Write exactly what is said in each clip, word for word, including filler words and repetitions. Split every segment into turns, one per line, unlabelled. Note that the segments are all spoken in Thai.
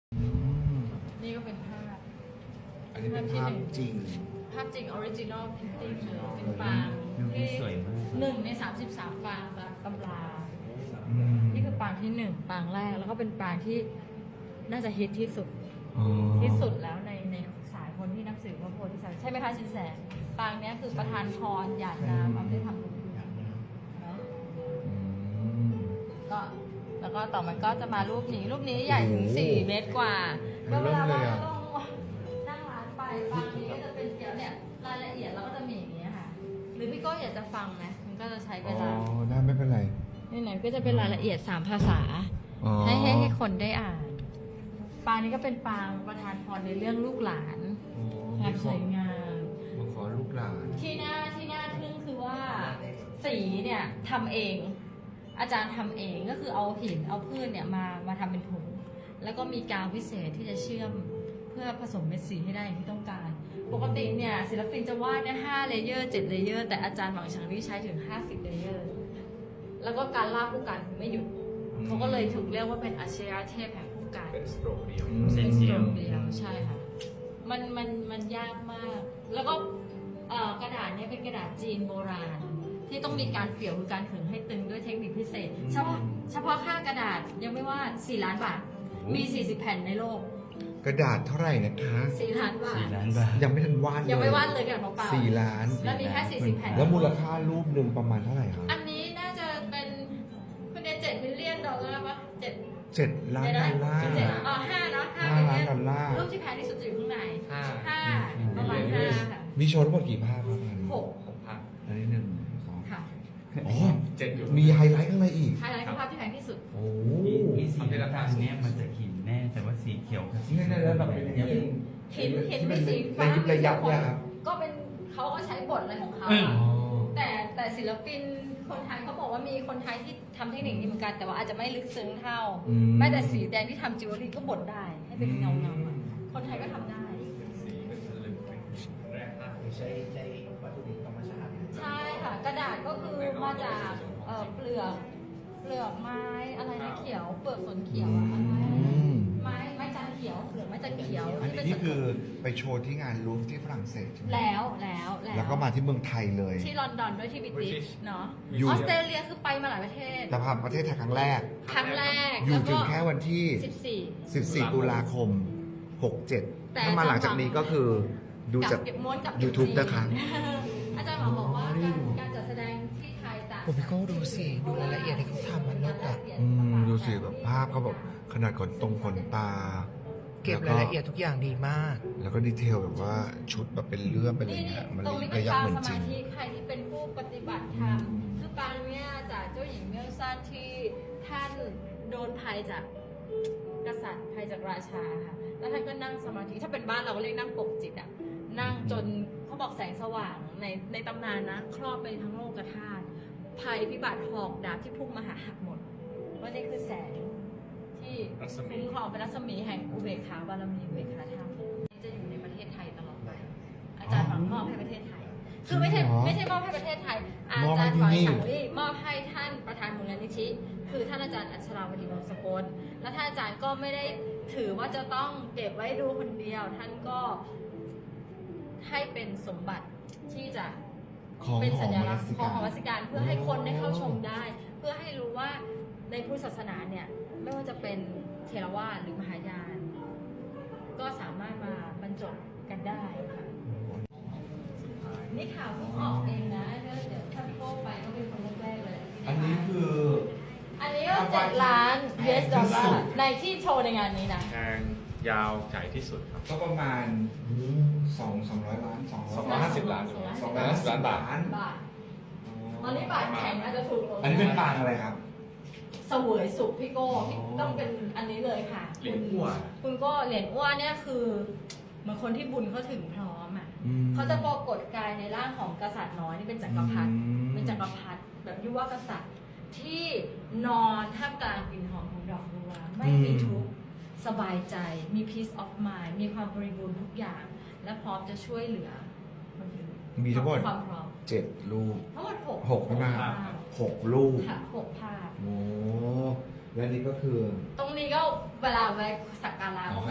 อืม
นี่ก็เป็นภาพ
อันนี้เป็นภาพจริง
ภาพจริงออริจินอลพิมพ์เลยเป็นปาง
ดู
ที่
สวยมาก
หนึ่งในสามสิบสามปางตามตำรา
อืม
นี่คือปางที่หนึ่งปางแรกแล้วก็เป็นปางที่น่าจะฮิตที่สุด
อ๋อ
ที่สุดแล้วในในสายคนที่นับถือพระโพธิสัตว์ใช่ไหมคะชินแสปางเนี้ยคือประธานพรหยาดน้ำเอาไปทำบุญเนาะ
อืม
ก็แล้วก็ต่อมันก็จะมารูปนี้ รูปนี้ใหญ่ถึงสี่เมตรกว่าก็เวลาว่าเราต้องนั่งร้านไปปางนี้ก็จะเป็นเกี่ยวเนี่ยรายละเอียดเราก็จะมีอย่างนี้ค่ะ หรือพี่ก็อยากจะฟังไหมมันก็จะใช้เว
อ๋อ
ลา
ได้ไม่เป็นไร
นี่ไหนก็จะเป็นรายละเอียดสามภาษา
อ๋อ
ให้ให้ให้คนได้อ่าน ปางนี้ก็เป็นปางประธานพรในเรื่องลูกหลาน
อ๋อ
ความสวยงาม
มาขอลูกหลาน
ที่น่าที่น่าทึ่งคือว่าสีเนี่ยทำเอง อาจารย์ทำเองก็คือเอาหินเอาพืชเนี่ยมามาทำเป็นถุงแล้วก็มีกาวพิเศษที่จะเชื่อมเพื่อผสมเม็ดสีให้ได้อย่างที่ต้องการ ปกติเนี่ยศิลปินจะวาดได้ห้าเลเยอร์เจ็ดเลเยอร์แต่อาจารย์หวังชังนี่ใช้ถึงห้าสิบเลเยอร์แล้วก็การลากผู้กันไม่หยุดเขาก็เลยถูกเรียกว่าเป็นอัจฉริยะเทพแห่งผู้กัน
เป็นสโตรกเดียว
อืม
เส้
เป็น นส
เดี
โต
ย
ร
ว
กเดียวใช่ค่ะมันมันมันยากมาก แล้วก็เอ่อกระดาษเนี้เป็นกระดาษจีนโบราณ ที่ต้องมีการเปี่ยวคือการขึงให้ตึงด้วยเทคนิคพิเศษ เฉพาะเฉพาะค่ากระดาษยังไม่ว่าสี่ล้านบาท มีสี่สิบแผ่นในโลก
กระดาษเท่าไหร่นะคะ
สี่ล้านบาท
สี่ล้านบาท
ยังไม่ทันวาดเลย
ยังไม่วาดเลยกระดาษเปล่าๆ
สี่ล้าน
แล้วมีแค่สี่สิบแผ่น
แล้วมูลค่ารูปหนึ่งประมาณเท่าไหร่ครับ
อันนี้น่าจะเป็นคุณเนี่ยเจ็ดมิลเลียนดอลลาร์ปะเจ็ด
เจ็ดล้านดอลลาร์
เจ็ดอ๋อห้าเนาะห้า
ห้า
มิล
ล้าน
เลียน
ดอลลาร์
รูปที่แพงที่สุดจะอยู่ข้างใน
ห้า
ห้าประมาณห้าค่ะ
มีโชว์ทั้งหมดกี่ภาพครับอันนี้
หก
หกพัน
อันนี้หนึ่งสอง
ค่ะ
อ๋อ
เจ็ดอยู่
มีไฮไลท์ข้างในอีก
ไฮไลท์คือภาพที่แพงที่สุด
โอ้
มีสีราคาเนี้ยมันจะหินแน่ แต่ว่าสีเขียวกับสี
นี่นี่แล้วแบบเป็นอย่างนี้
หินหินเป็นสีฟ้า
ระยิบระยับเนี่ยครับ
ก็เป็นเขาก็ใช้บทอะไรของเขา
อืม
อะ
อ๋อ
แต่แต่ศิลปินคนไทยเขาบอกว่ามีคนไทยที่ทำเทคนิคนี้เหมือนกันแต่ว่าอาจจะไม่ลึกซึ้งเท่า
อืม
แม้แต่สีแดงที่ทำจิวเวลรี่ก็บดได้ ให้เป็นเงาเงาๆอะคนไทยก็ทำได้
สีเป็นสลึงเป็นแร่ธาตุ
ใช้ใช้วัตถุดิบธรรมชาติ
ใช่ค่ะ กระดาษก็คือมาจากเอ่อเปลือกเปลือกไม้อะไรนะเขียว เปลือกสนเขียวอะอะไรนะ
อืม
ไม้ไม้จันทร์เขียวเปลือกไม้จันทร์เขียว
อัน
ที่
นี้
เป็น
นี่คือไปโชว์ที่งานลูฟที่ฝรั่งเศสใช่ไหม
แล้วแล้วแล้ว
แล้วก็มาที่เมืองไทยเลย
ที่ลอนดอนด้วยที่บริติชเนาะ
อยู่
ออสเตรเลียคือไปมาหลายประเทศ
แต่ผ่านประเทศไทยครั้งแรก
ครั้งแรก
อยู่
แล้ว
ถึ
ก็
งแค่วันที่
สิบสี่
สิบสี่ ตุลาคม หกเจ็ด
แต่
ถ้ามาหลังจากนี้ก็คือดูจาก
เก็บม้วนกับ
YouTube นะคะ
อาจารย์หมอบอกว่าการการจัดแสดงที่ไทยต่าง
โอ้พี่โก้ดูสิดูรายละเอียดที่เขาทำมันเลิศอะ
อืมดูสิแบบภาพเขาแบบขนาดขนตรงขนตา
เก็บรายละเอียดทุกอย่างดีมาก
แล้วก็ดีเทลแบบว่าชุดแบบเป็นเรื่องเป็นอะไร
นี่นี่
เงี้ยมัน
ตรงนี้เป็
ระ
น
ยับ
ปาง
เหมือน
ส
จริ
มาง ธิใครที่เป็นผู้ปฏิบัติธรรมคือปางเนี้ยจากเจ้าหญิงเมลซันที่ท่านโดนภัยจากกษัตริย์ภัยจากราชาค่ะ แล้วท่านก็นั่งสมาธิถ้าเป็นบ้านเราก็เรียกนั่งปกจิตอ่ะนั่งจนเขาบอกแสงสว่างในในตำนานนะ ครอบไปทั้งโลกธาตุภัยพิบัติหอกดาบที่พุ่งมาหาหักหมดว่านี่คือแสงที่คุ้มครองเป็นรัศมีแห่งอุเบกขาบารมีอุเบกขาธรรมที่จะอยู่ในประเทศไทยตลอดไป อาจารย์หวังมอบให้ประเทศไทย คือไม่ใช่
จริงเหรอ
ไม่ใช่มอบให้ประเทศไทย อาม
อบ
จา
ให้
รย์
ที่
หวัง
นี่
ฉังลี่มอบให้ท่านประธานมูลนิธิ คือท่านอาจารย์อัชราวดีวงศ์สกลและท่านอาจารย์ก็ไม่ได้ถือว่าจะต้องเก็บไว้ดูคนเดียว ท่านก็ให้เป็นสมบัติที่จะ
ของ
เป็น
ข
สั
อง
ญ
ม
ลั
นั
กษ
ส
ณ์
สิ
ของ
กา
ของวัดสิการเพื่อให้คนได้เข้าชมได้ เพื่อให้รู้ว่าในพุทธศาสนาเนี่ยไม่ว่าจะเป็นเทรวาสหรือมหายาน ก็สามารถมาบรรจบกันได้ค่ะนี่ข่าวเพิ่งออกเองนะเดี๋ยวเดี๋ยวถ้าพี่โก้ไปก็เป็นคนแรกๆเลยที่ได้
อันนี้คือ
อันนี้ก็เจ็ดล้าน ยู เอส ดอลลาร์ในที่โชว์ในงานนี้นะ
แพงยาวใหญ่ที่สุดครับ
ก็ประมาณสองสองร้อยล้านสอง
สองร้อยห้าสิบล้าน
สองร้อยห้าสิบล้านบาท
บาทตอนนี้บาทแข็งอาจจะถูกลง
อันนี้เป็นปางอะไรครับ
เสวยสุขพี่โก้พี่ต้องเป็นอันนี้เลยค่ะ
เหรียญอ้วน
คุณก็เหรียญอ้วนเนี่ยคือเหมือนคนที่บุญเขาถึงพร้อมอ่ะ
อืม
เขาจะปรากฏกายในร่างของกษัตริย์น้อยนี่เป็นจักรพรรดิ
อืม
เป็นจักรพรรดิแบบยุวกษัตริย์ที่นอนท่ามกลางกลิ่นหอมของดอกบัวไม่มีทุกข์สบายใจมี peace of mind มีความบริบูรณ์ทุกอย่าง และพร้อมจะช่วยเหลือคนอื่น
มีทั้งหมด
ความพร้อม
เจ็ดรูป
ทั้งหมดหก
หกใช่ไหม
ภาพ
หกรูป
ค่ะหกภาพ
โอ้และนี่ก็คือ
ตรงนี้ก็เวลาไปสักการะ
อ๋อ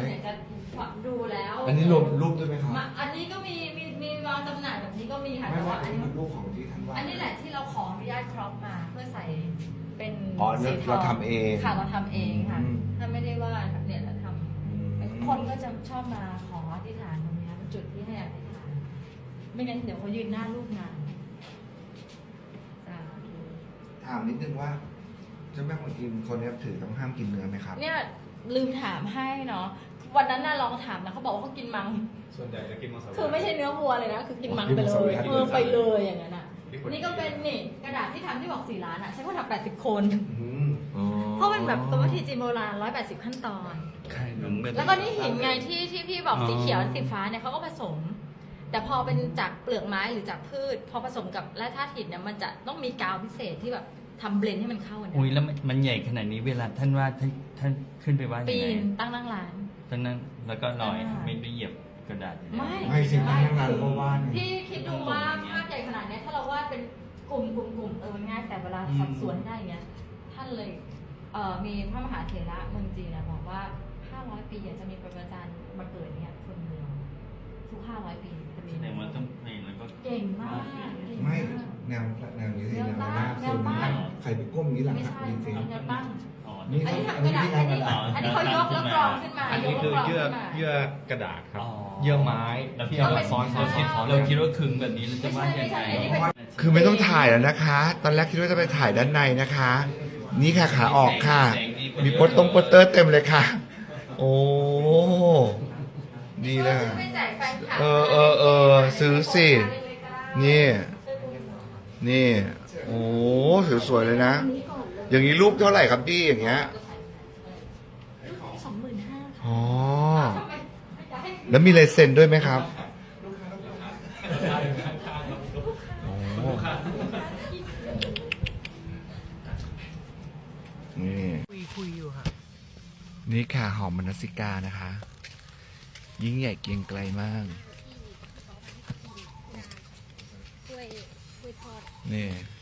ดูแล้ว
อันนี้รวมรูปด้วยไหมครับ
มาอันนี้ก็มีมีมีวางจำหน่ายแบบนี้ก็มีค่ะ
ไม่
แต่
ว่า
ว่า
อั
อั
น
น
นี้
นี้
มันรูปของที่ท่านวาด
อันนี้แหละที่เราขออนุญาตครอปมาเพื่อใส่เป็น
อ๋อ
สีท
เรา
อง
ทำเอง
ค่ะเราทำเองค่ะ
อืม
ถ้าไม่ได้ว่าดเนี่ยเราท
อืม
ำคนก็จะชอบมาขออธิษฐานตรงเนี้ยเป็นจุดที่ให้อธิษฐาน ไม่งั้นเดี๋ยวเขายืนหน้ารูปนานสาธุ
ถามนิดนึงว่าเจ้าแม่คนอิมคนนี้ถือต้องห้ามกินเนื้อไหมครับ
เนี่ยลืมถามให้เนาะวันนั้นน่ะลองถามนะเขาบอกว่าเขากินมัง
ส่วนใหญ่จะกินมังสวิรัติ
คือไม่ใช่เนื้อวัวเลยนะ คือกินมัง
กิน
ไป
มัง
เล
สวิ
ย
รัติ
เออไปเลยอย่างนั้นอ่ะ
ที่คน
นี่ก็เป็นนี่กระดาษที่ทำที่บอกสี่ล้านอ่ะ ใช้คนทำแปดสิบคน
อืมอ๋อ
เพราะมันแบบกรรมวิธีจีนโบราณร้อยแปดสิบขั้นตอน
ไข่หนุ่มเป็น
แล้วก็นี่หินไงที่ที่พี่บอกสีเขียวสีฟ้าเนี่ยเขาก็ผสม แต่พอเป็นจากเปลือกไม้หรือจากพืช พอผสมกับแร่ธาตุหินเนี่ยมันจะต้องมีกาวพิเศษที่แบบทำเบลนด์ให้มันเข้ากัน
อุ้ยแล้วมันมันใหญ่ขนาดนี้เวลาท่านว่าท่านท่านขึ้นไปว่ายั
ปี
งไง
นตั้งนั่งร้าน
ตอนนั้นแล้วก็ลอย
อ่า
ไม่ได้เหยียบกระดาษอยู่แล้ว
ไม่
ไม่สิตั้งนานแล้วก็วาด
พี่คิดดูว่าภาพใหญ่ขนาดเนี้ยถ้าเราวาดเป็นกลุ่มกลุ่มกลุ่มเออมันง่ายแต่เวลาสัดส่วนให้ได้อย่างเงี้ยท่านเลยเอ่อมีพระมหาเถระเมืองจีนนะบอกว่าห้าร้อยปีอ่ะจะมีปรมาจารย์มาเกิดเนี่ยคนเดียวทุกห้าร้อยปีจะมี
แสดงว่าต้องเพลงแล้วก็
เก่งมากเก่ง
ไม่
มาก
แนวแนวนี้สิแนว
แนว
หน้า
ตั้ง
คือมัน
แนวตั้ง
ใครไปก้มอย่างนี้หลัง
ไม่
หัก
ใช่
จริง
แนวตั้ง
อ๋อ
นี่
อันนี้ทำกระดาษอันนี้อันนี้เขายกแล้วกรองขึ้นมา
อันนี้
ยก
คือ
แล้วกรอง
เยื่อ
ขึ้นมา
เยื่อกระดาษครับ
อ๋อ
เยื่อไม้
แล้ว
ที่
ที่
เอา
เรา
มาซ้อนซ้อนซ้อนซ้อน
เราคิดว่าขึงแบบนี้เราจะว่ายังไง
ไม่ใช่ไม่ใช่อันนี้เป็น
คือไม่ต้องถ่ายแล้วนะคะ ตอนแรกคิดว่าจะไปถ่ายด้านในนะคะ นี่ค่ะขาออกค่ะ มีโปสตรงโปสเตอร์เต็มเลยค่ะ โอ้ดีเลย
ซื้อไปแจกแฟนคลับ
เออเออเออซื้อสิ นี่ นี่ โอ้สวยๆเลยนะ อย่างนี้รูปเท่าไหร่ครับพี่อย่างเงี้ย
สองหมื่นห้า
อ๋อ แล้วมีลายเซ็นด้วยไหมครับโอ้นี่
คุยคุยอยู่ค่ะ
นี่ค่ะหอมมนสิกานะคะ ยิ่งใหญ่เกรียงไกลมาก
กล้วยกล้วยทอด
นี่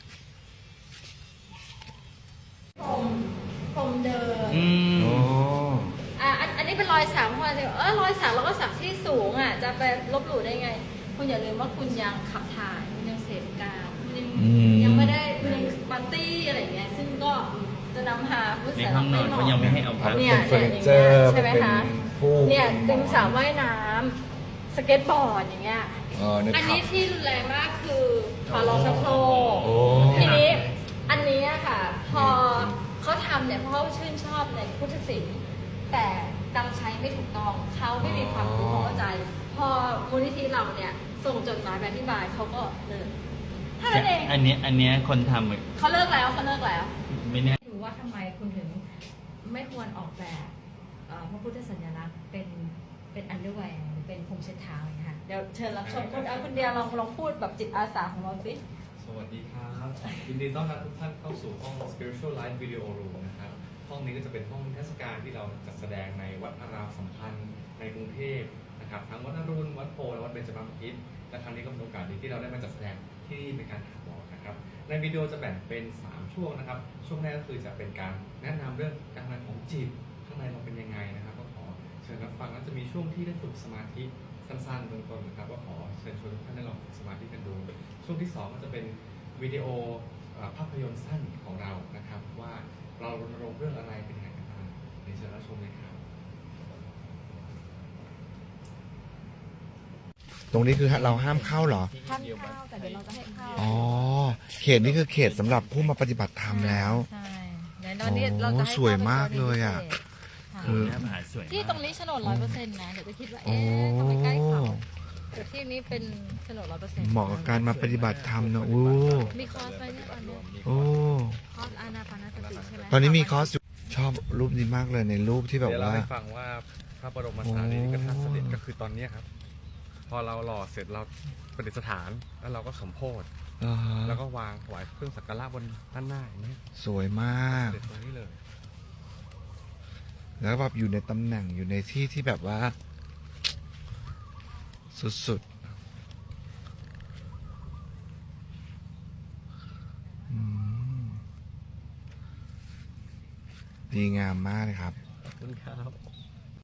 ผมผมเดิม
อืม
โอ้
อ่ะอันอันนี้เป็นรอยสักมาเลยเออรอยสักเราก็สักที่สูงอ่ะ จะไปลบหลู่ได้ไง คุณอย่าลืมว่าคุณยังขับถ่ายคุณยังเสพกามคุณยังยังไม่ได้คุณยังปาร์ตี้อะไรอย่างเงี้ย ซึ่งก็จะนำพาผู้
ใน
เสีย
ห้องนอนเขายังไม่ให้เอาพัด
เนี่ย
เป็นเฟ
เนี่
อย ร์นิเจอร์
ใช่ไหม
เป็น
คะ
ฟูก
เนี่ยตึงสาวว่ายน้ำสเก็ตบอร์ดอย่างเงี้ย
เออนึก
อัน
ภา
นี้
พ
ที่รุนแรงมากคือฝาโลงชักโครก
โอ้
ทีนี้อันนี้อะค่ะ พอเขาทำเนี่ยเพราะเขาชื่นชอบในพุทธศิลป์แต่นำใช้ไม่ถูกต้องเขาไม่มีความรู้ความเข้าใจ พอมูลนิธิเราเนี่ยส่งจดหมายไปอธิบายเขาก็เลิกเท่านั้นเอง
อันเนี้ยอันเนี้ยคนทำอะ
เขาเลิกแล้วเขาเลิกแล้ว
ไม่แน่
ดูว่าทำไมคุณถึงไม่ควรออกแบบเอ่อพระพุทธสัญลักษณ์เป็นเป็นอันเดอร์แวร์หรือเป็นพรมเช็ดเท้าอย่างเงี้ยค่ะเดี๋ยวเชิญรับชมคุณเอาคุณเดียลองลองพูดแบบจิตอาสาของเราสิ
สวัสดีครับยินดีต้อนรับทุกท่านเข้าสู่ห้อง Spiritual Life Video Room นะครับ ห้องนี้ก็จะเป็นห้องเทศกาลที่เราจัดแสดงในวัดอารามสำคัญในกรุงเทพนะครับ ทั้งวัดอรุณ วัดโพและวัดเบญจมาบพิตรและครั้งนี้ก็เป็นโอกาสดีที่เราได้มาจัดแสดงที่นี่เป็นการถาวรนะครับ ในวิดีโอจะแบ่งเป็นสามช่วงนะครับ ช่วงแรกก็คือจะเป็นการแนะนำเรื่องการทำงานของจิต ข้างในเราเป็นยังไงนะครับ ก็ขอเชิญรับฟังแล้วจะมีช่วงที่ได้ฝึกสมาธิสั้นๆเบื้องต้นนะครับก็ขอเชิญชวนทุกท่านได้ลองฝึกสมาธิกันดู ช่วงที่สองก็จะเป็นวิดีโอเอ่อภาพยนตร์สั้นของเรานะครับ ว่าเรารณรงค์เรื่องอะไรเป็นยังไงกันบ้างเดี๋ยวเชิญรับชมเลยครับ
ตรงนี้คือเราห้ามเข้าเหรอ
ห้ามเข้าแต่เดี๋ยวเราจะให้เข้า
อ๋อ เขตนี้คือเขตสำหรับผู้มาปฏิบัติธรรมแล้ว
ใช่เดี๋ยวตอนนี้เราจะให้
โอ้สวยมากเลยอะ
เข้าไป
คือ
หน้าผาสวยมาก
ที่ตรงนี้โฉนดร้อยเปอร์เซ็นต์นะเดี๋ยวจะคิดว่า
โอ้
เอ๊ะทำไมใกล้เขาแต่ที่นี้เป็นโฉนดร้อยเปอร์เซ็นต์
เหมาะกับการมาปฏิบัติธรรมนะอู้
มีคอร์สไหมเนี่ยตอนนี้
โอ้
คอร์สอานาปานสติใช่ไหม
ตอนนี้มีคอร์สอยู่ชอบรูปนี้มากเลยในรูปที่แบบ
เดี๋ยวเรา
ว่า
ให้ฟังว่าพระบรมสารีริกธาตุเสด็จก็คือตอนเนี้ยครับ พอเราหล่อเสร็จเราประดิษฐานแล้วเราก็สมโพธิ
อ่าฮะ
แล้วก็วางถวายเครื่องสักการะบนด้านหน้าอย่างนี้ย
สวยมาก
เสด็จตรงนี้เลย
แล้วแบบอยู่ในตำแหน่งอยู่ในที่ที่แบบว่า สุดๆอืมดีงามมากเลยครับ
ขอบคุณครับ